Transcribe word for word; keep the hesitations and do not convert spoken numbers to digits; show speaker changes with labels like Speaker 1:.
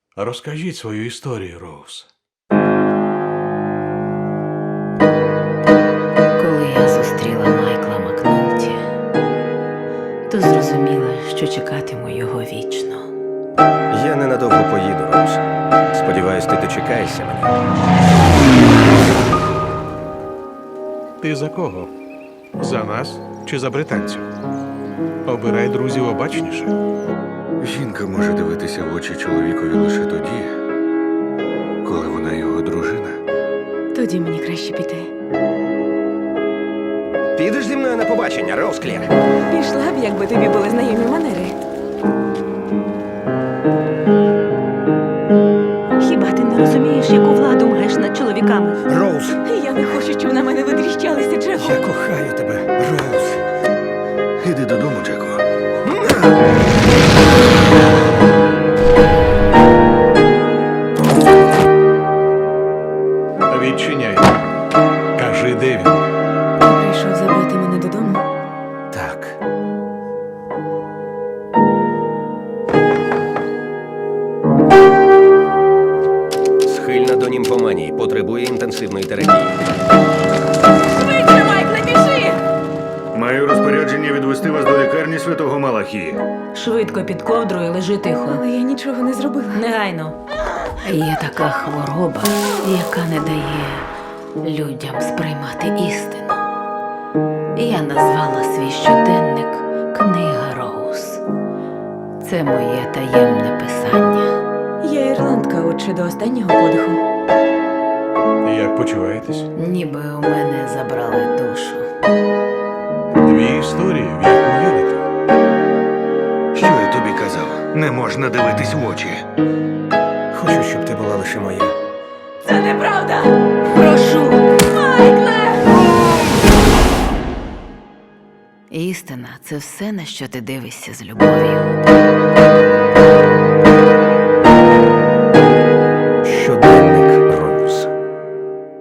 Speaker 1: Розкажіть свою історію, Роуз.
Speaker 2: Коли я зустріла Майкла Макнолті, то зрозуміла, що чекатиму його вічно.
Speaker 3: Я ненадовго поїду, Роуз. Сподіваюсь, ти дочекаєшся мене.
Speaker 1: Ти за кого? За нас чи за британців? Обирай друзів обачніше.
Speaker 4: Жінка може дивитися в очі чоловікові лише тоді, коли вона його дружина.
Speaker 5: Тоді мені краще піти.
Speaker 3: Підеш зі мною на побачення, Роуз Клір?
Speaker 5: Пішла б, якби тобі були знайомі манери. Хіба ти не розумієш, яку владу маєш над чоловіками?
Speaker 3: Роуз,
Speaker 5: Я не хочу, щоб на мене витріщалися, Джеку.
Speaker 3: я кохаю тебе, Роуз.
Speaker 4: Іди додому, Джеку.
Speaker 1: Відчиняй. Кажи, де він.
Speaker 5: Ти прийшов забрати мене додому?
Speaker 3: Так. Схильна до німфоманії, потребує інтенсивної терапії.
Speaker 5: Швидше, Майкле, біжи!
Speaker 4: Маю розпорядження відвести вас до лікарні святого Малахії.
Speaker 2: Швидко під ковдрою лежи тихо.
Speaker 5: Але я нічого не зробила.
Speaker 2: Негайно. Є така хвороба, яка не дає людям сприймати істину. Я назвала свій щоденник «Книга Роуз». Це моє таємне писання.
Speaker 5: Я ірландка, отже, до останнього подиху.
Speaker 1: Як почуваєтесь?
Speaker 2: Ніби у мене забрали душу.
Speaker 1: Дві історії, в яку вірите.
Speaker 4: Що я тобі казав? Не можна дивитись в очі.
Speaker 3: Хочу, щоб ти була лише моя.
Speaker 5: Це неправда!
Speaker 2: Прошу!
Speaker 5: Майкле!
Speaker 2: Істина – це все, на що ти дивишся з любов'ю.